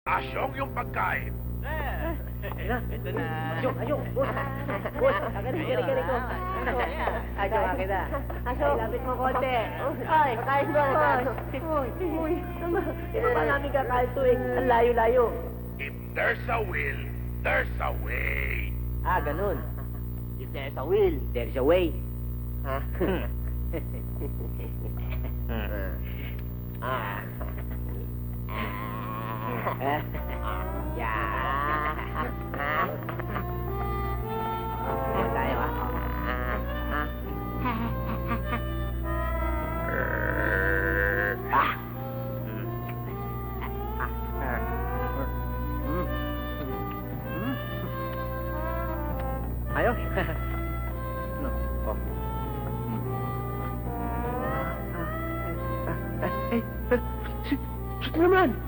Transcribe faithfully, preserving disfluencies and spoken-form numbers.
Asyong yung pagkain. Ito na. Asyong, asyong. Bus. Bus. Agaling, galing, galing ko. Asyong, akin na. Asyong, lapit mo konti. Ay, kain mo. Uy, uy. Ito pa namin kakain to eh. Ang layo-layo. If there's a will, there's a way. Ah, ganun. If there's a will, there's a way. Ha? Ah. Ah. Yeah. Tayo ah. Ah. Ayos. No. Oh. Ay, ay, ay, naman.